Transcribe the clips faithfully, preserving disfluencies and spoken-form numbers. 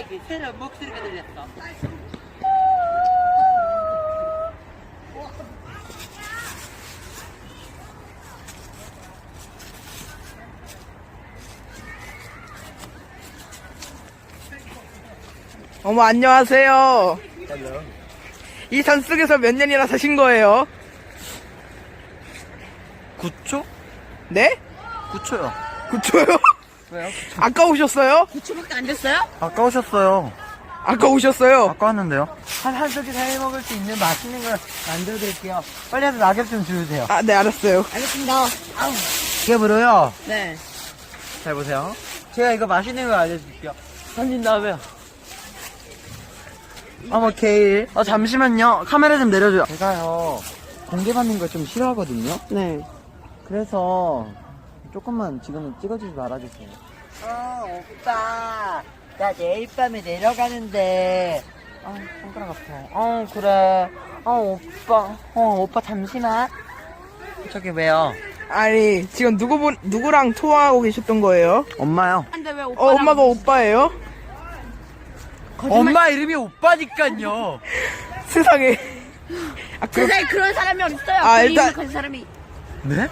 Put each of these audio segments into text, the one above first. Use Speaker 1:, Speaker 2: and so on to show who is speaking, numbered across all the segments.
Speaker 1: 갑자기 새로운 목소리가 들렸어.
Speaker 2: 어머, 안녕하세요.
Speaker 3: 헬로.
Speaker 2: 이 산속에서 몇 년이나 사신 거예요?
Speaker 3: 구 초?
Speaker 2: 네?
Speaker 3: 구 초요.
Speaker 2: 구 초요?
Speaker 3: 왜요?
Speaker 2: 아까 오셨어요?
Speaker 1: 구 초밖에 안 됐어요?
Speaker 3: 아까 오셨어요.
Speaker 2: 아까 오셨어요?
Speaker 3: 아까 왔는데요. 한, 한석이 사이 먹을 수 있는 맛있는 걸 만들어 드릴게요. 빨리 와서 낙엽 좀 주세요.
Speaker 2: 아, 네, 알았어요.
Speaker 1: 알겠습니다. 아우.
Speaker 3: 낙엽으로요.
Speaker 1: 네.
Speaker 3: 잘 보세요. 제가 이거 맛있는 걸 알려드릴게요. 던진 다음에요. 어머, 케일. 어, 잠시만요. 카메라 좀 내려줘요. 제가요, 공개받는 걸 좀 싫어하거든요.
Speaker 2: 네.
Speaker 3: 그래서, 조금만 지금은 찍어주지 말아주세요. 어, 오빠. 나 내일 밤에 내려가는데. 아, 손가락 아파. 어, 그래. 어, 오빠. 어, 오빠 잠시만. 저기 왜요?
Speaker 2: 아니, 지금 누구, 보, 누구랑 통화하고 계셨던 거예요?
Speaker 3: 엄마요.
Speaker 1: 근데 왜 오빠?
Speaker 2: 어, 엄마가 오빠예요?
Speaker 3: 엄마 이름이 오빠니까요.
Speaker 2: 세상에. 아, 그,
Speaker 1: 세상에 그런 사람이 어딨어요?
Speaker 2: 아,
Speaker 1: 그
Speaker 2: 일단-
Speaker 1: 그런 사람이.
Speaker 3: 네?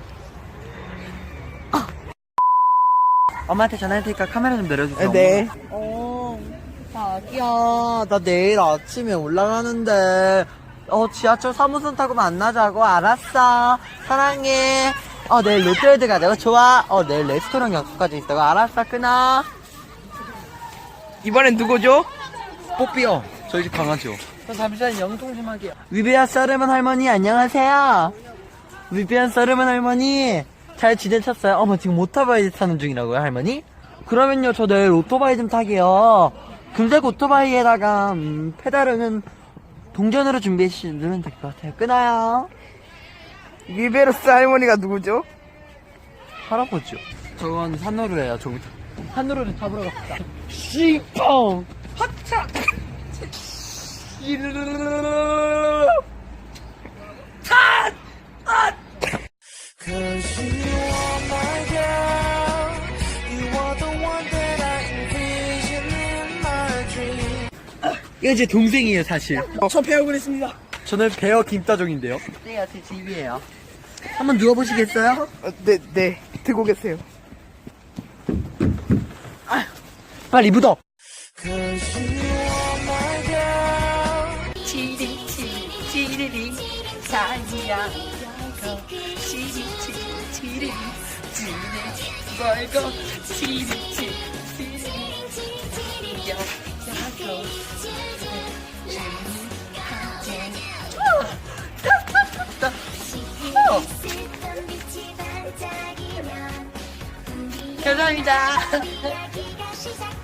Speaker 3: 엄마한테 전화할 테니까 카메라 좀 내려주세요.
Speaker 2: 네.
Speaker 3: 어, 자기야, 나 내일 아침에 올라가는데, 어, 지하철 삼 호선 타고 만나자고. 알았어. 사랑해. 어, 내일 롯데월드 가자고. 좋아. 어, 내일 레스토랑 약속까지 있다고. 알았어. 끊어.
Speaker 2: 이번엔 누구죠?
Speaker 3: 뽀삐요. 저희 집 강아지요. 저 잠시만 영통 좀 하게요. 위베아 서르먼 할머니, 안녕하세요. 위베아 서르먼 할머니, 잘 지내셨어요? 어머, 지금 오토바이 타는 중이라고요, 할머니? 그러면요, 저 내일 오토바이 좀 타게요. 금색 오토바이에다가, 음, 페달은 동전으로 준비해주시면 될 것 같아요. 끊어요.
Speaker 2: 리베로스 할머니가 누구죠?
Speaker 3: 할아버지요. 저건 산호루예요, 저기. 산호루를 잡으러 갑시다. 씨펑! 하차! 이거 제 동생이에요, 사실.
Speaker 2: 저 배우고 있습니다.
Speaker 3: 저는 배어 김따종인데요. 네, 제 집이에요. 한번 누워보시겠어요?
Speaker 2: 어, 네, 네. 들고 계세요.
Speaker 3: 빨리 묻어!
Speaker 1: 치리 치리 치리리 사이야 치리 치리 치리리 지네 멀고 치리 치리 치리리 야야고 감사합니다.